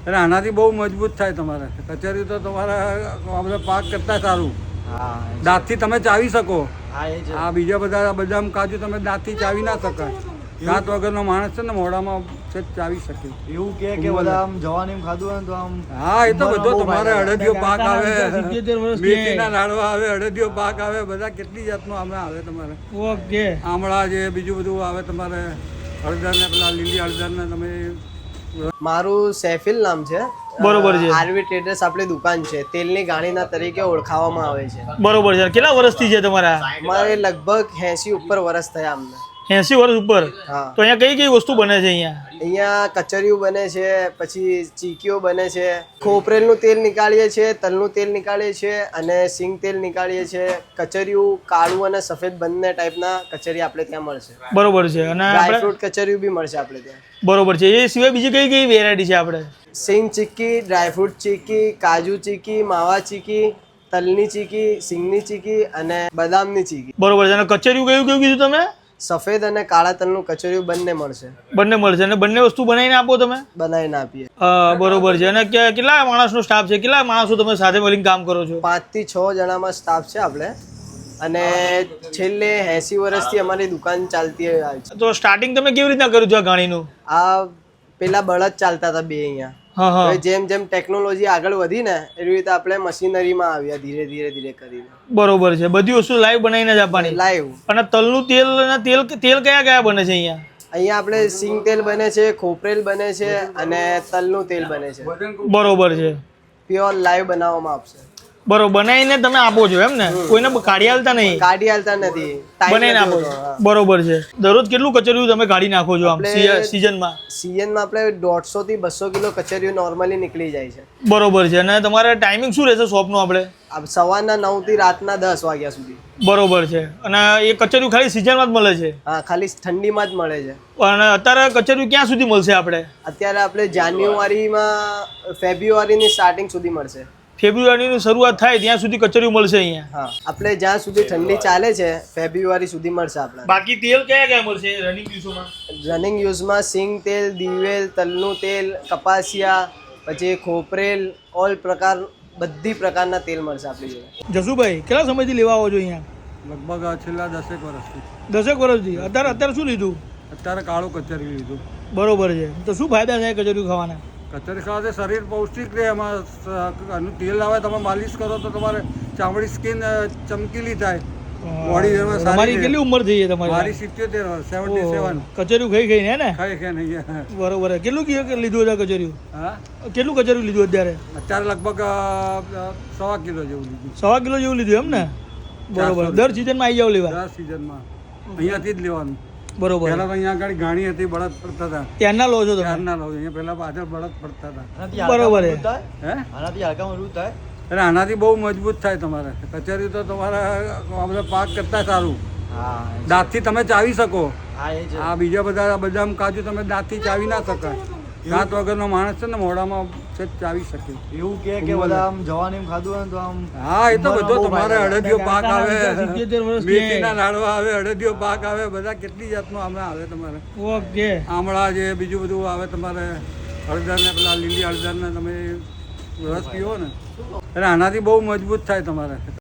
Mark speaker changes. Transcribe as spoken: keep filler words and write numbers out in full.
Speaker 1: એટલે આનાથી બહુ મજબૂત થાય તમારે. કચેરી તો તમારા આ બધા પાક કરતા સારું.
Speaker 2: હા
Speaker 1: દાંતથી તમે ચાવી શકો.
Speaker 2: હા એ જ.
Speaker 1: આ બીજા બધા બદામ કાજુ તમે દાંતથી ચાવી ના શકાય. દાંત વગરનો માણસ છે ને મોઢામાં છે ચાવી શકે.
Speaker 2: એવું કે કે બધા આમ જવાની ખાધું હોય ને તો આમ
Speaker 1: હા એ તો બધો તમારે અડદિયો પાક આવે,
Speaker 3: સિત્તેર વર્ષ
Speaker 1: મેથીના લાડવા આવે, અડદિયો પાક આવે, બધા કેટલી જાતનું આમે આવે તમારે.
Speaker 3: ઓકે.
Speaker 1: આમળા છે, બીજું બધું આવે તમારે. હળદર ને પેલા લીલી હળદર ને તમે.
Speaker 4: મારું સૈફિલ નામ છે.
Speaker 3: બરોબર છે.
Speaker 4: આરવી ટ્રેડર્સ આપણી દુકાન છે, તેલની ગાણીના તરીકે ઓળખાવામાં આવે છે.
Speaker 3: બરોબર છે. કેટલા વર્ષથી છે તમારા?
Speaker 4: મારે લગભગ એસી ઉપર વર્ષ થયા અમને.
Speaker 3: એસી વર્ષ ઉપર.
Speaker 4: હા.
Speaker 3: તો અહીંયા કઈ કઈ વસ્તુ બને છે અહીંયા?
Speaker 4: અહીંયા કચરિયું બને છે, પછી ચીકીઓ બને છે, ખોપરેલનું તેલ નીકાળીએ છીએ, તલનું તેલ નીકાળીએ છીએ અને સિંગ તેલ નીકાળીએ છીએ. કચરિયું કાળું અને સફેદ બંને ટાઈપના કચરી આપણે ત્યાં મળશે.
Speaker 3: બરોબર છે. અને આપણે
Speaker 4: ડ્રાયફ્રૂટ કચરિયું બી મળશે આપણે ત્યાં.
Speaker 3: બરોબર છે. એ સિવાય બીજી કઈ કઈ વેરાયટી છે આપણે?
Speaker 4: સિંગ ચીક્કી, ડ્રાયફ્રૂટ ચીક્કી, કાજુ ચીક્કી, માવા ચીક્કી, તલની ચીક્કી, સિંગની ચીક્કી અને બદામની ચીક્કી.
Speaker 3: બરોબર છે. અને કચરિયું કયું કયું કીધું તમે?
Speaker 4: સફેદ અને કાળા તલનું કચરિયું બંને મળશે.
Speaker 3: બંને મળશે. અને બંને વસ્તુ બનાવીને આપો તમે?
Speaker 4: બનાવીને આપીએ.
Speaker 3: અ, બરોબર છે. અને કે- કેટલા માણસનો સ્ટાફ છે? કેટલા માણસો તમે સાથે મળીને કામ કરો છો?
Speaker 4: પાંચ થી છ જણામાં સ્ટાફ છે આપણે, અને છેલ્લે એસી વર્ષથી અમારી દુકાન ચાલતી આવી છે.
Speaker 3: તો સ્ટાર્ટિંગ તમે કેવી રીતના કર્યું છે આ ગાણીનું?
Speaker 4: આ પેલા બળદ ચાલતા હતા બે અહીંયા.
Speaker 3: હા હા.
Speaker 4: હવે જેમ જેમ ટેકનોલોજી આગળ વધી ને એવી રીતે આપણે મશીનરીમાં આવ્યા ધીરે ધીરે ધીરે કરીને.
Speaker 3: બરોબર છે. બધી વસ્તુ લાઈવ બનાવીને જ આપવાની.
Speaker 4: લાઈવ.
Speaker 3: અને તલનું તેલ અને તેલ તેલ કયા કયા બને છે અહીંયા?
Speaker 4: અહીંયા આપણે સિંગ તેલ બને છે, ખોપરેલ બને છે અને તલનું તેલ બને છે.
Speaker 3: બરોબર છે.
Speaker 4: પ્યોર લાઈવ બનાવવામાં આપશે.
Speaker 3: બરોબર. બનાવીને તમે આપો છો એમ ને? કોઈને કાઢી આલતા નહીં?
Speaker 4: કાઢી હાલતા નથી, ટાઈમ
Speaker 3: બનાવીને આપો છો. બરોબર છે. દરરોજ કેટલું કચરિયું તમે કાઢી નાખો છો આમ
Speaker 4: આપણે-
Speaker 3: સિઝનમાં?
Speaker 4: સિઝનમાં આપણે દોઢસો થી બસો કિલો કચરિયું નોર્મલી નીકળી જાય છે.
Speaker 3: બરોબર છે. અને તમારે ટાઈમિંગ શું રહેશે શોપનું આપણે?
Speaker 4: આ સવારના નવ થી રાતના દસ વાગ્યા સુધી.
Speaker 3: બરોબર છે. અને એ કચરિયું ખાલી સિઝનમાં જ મળે છે?
Speaker 4: હા, ખાલી ઠંડીમાં જ મળે છે.
Speaker 3: અને અત્યારે કચરિયું ક્યાં સુધી મળશે આપણે?
Speaker 4: અત્યારે આપણે જાન્યુઆરીમાં ફેબ્રુઆરીની સ્ટાર્ટિંગ સુધી મળશે.
Speaker 3: ફેબ્રુઆરીની શરૂઆત થાય ત્યાં સુધી કચરિયું મળશે અહીંયા?
Speaker 4: હા, આપણે જ્યાં સુધી ઠંડી ચાલે છે ફેબ્રુઆરી સુધી મળશે આપણે.
Speaker 3: બાકી તેલ કયા કયા મળશે રનિંગ દિવસોમાં?
Speaker 4: રનિંગ યુઝમાં સિંગ તેલ, દિવેલ, તલનું તેલ, કપાસિયા, પછી ખોપરેલ, ઓલ પ્રકાર બધી પ્રકારના તેલ મળશે આપણી જોડે.
Speaker 3: જસુભાઈ કેટલા સમયથી લેવા આવો છો અહીંયા?
Speaker 1: લગભગ આ છેલ્લા દસેક વર્ષથી.
Speaker 3: દસેક વર્ષથી. અત્યારે અત્યારે શું લીધું?
Speaker 1: અત્યારે કાળું કચેરી લીધું.
Speaker 3: બરોબર છે. તો શું ફાયદા થાય કચરિયું ખાવાના?
Speaker 1: કચેરી ખાવાથી શરીર પૌષ્ટિક રહે. એમાં સ- આનું તેલ આવે તમે માલિશ કરો તો તમારે ચામડી સ્કિન ચમકીલી થાય. બોડી સારી
Speaker 3: તમારી
Speaker 1: રહે.
Speaker 3: કેટલી ઉંમર થઈ છે
Speaker 1: મારી
Speaker 3: તમારી?
Speaker 1: સિત્યોતેર વર્ષ સેવન્ટી
Speaker 3: ઓહો.
Speaker 1: સેવન.
Speaker 3: કચરિયું ખાઈ ખાઈને હે ને?
Speaker 1: ખાઈ ખાઈ નહીં.
Speaker 3: બરોબર છે. કેટલું કી- લીધું છે કચરિયું?
Speaker 1: હા,
Speaker 3: કેટલું કચરિયું લીધું અત્યારે?
Speaker 1: અત્યારે લગભગ અ, અ, સવા કિલો જેવું લીધું.
Speaker 3: સવા કિલો જેવું લીધું એમ ને? બરોબર. દર સિઝનમાં આવી જાવ લેવા?
Speaker 1: દસ સિઝનમાં અહીંયાથી જ લેવાનું.
Speaker 3: બરોબર.
Speaker 1: પહેલા તો અહીંયા આગળ ગાણી હતી, બળદ પડતા હતા.
Speaker 3: ત્યારના લો છો તમે?
Speaker 1: ત્યારના લો. અહીંયા પહેલા પાછળ બળદ પડતા હતા.
Speaker 3: બરોબર છે.
Speaker 1: હે
Speaker 2: આનાથી હલકા મજબૂત થાય.
Speaker 1: એટલે આનાથી બહુ મજબૂત થાય તમારે. કચેરી તો તમારા આ બધા પાક કરતા સારું.
Speaker 2: હા
Speaker 1: દાંતથી તમે ચાવી શકો.
Speaker 2: હા એ જ.
Speaker 1: આ બીજા બધા બદામ કાજુ તમે દાંતથી ચાવી ના શકાય. દાંત વગરનો માણસ છે ને મોઢામાં છે ચાવી શકે.
Speaker 2: એવું કે કે બધા આમ જવાની ખાધું હોય ને તો આમ
Speaker 1: હા એ તો બધો તમારે અડદિયો પાક આવે,
Speaker 3: સિત્તેર વર્ષ
Speaker 1: મેથીના લાડવા આવે, અડદિયો પાક આવે, બધા કેટલી જાતનું આમે આવે તમારે.
Speaker 3: ઓકે.
Speaker 1: આમળા છે, બીજું બધું આવે તમારે. હળદર ને પેલા લીલી હળદર ને તમે રસ પીવો ને એટલે આનાથી બહુ મજબૂત થાય તમારે.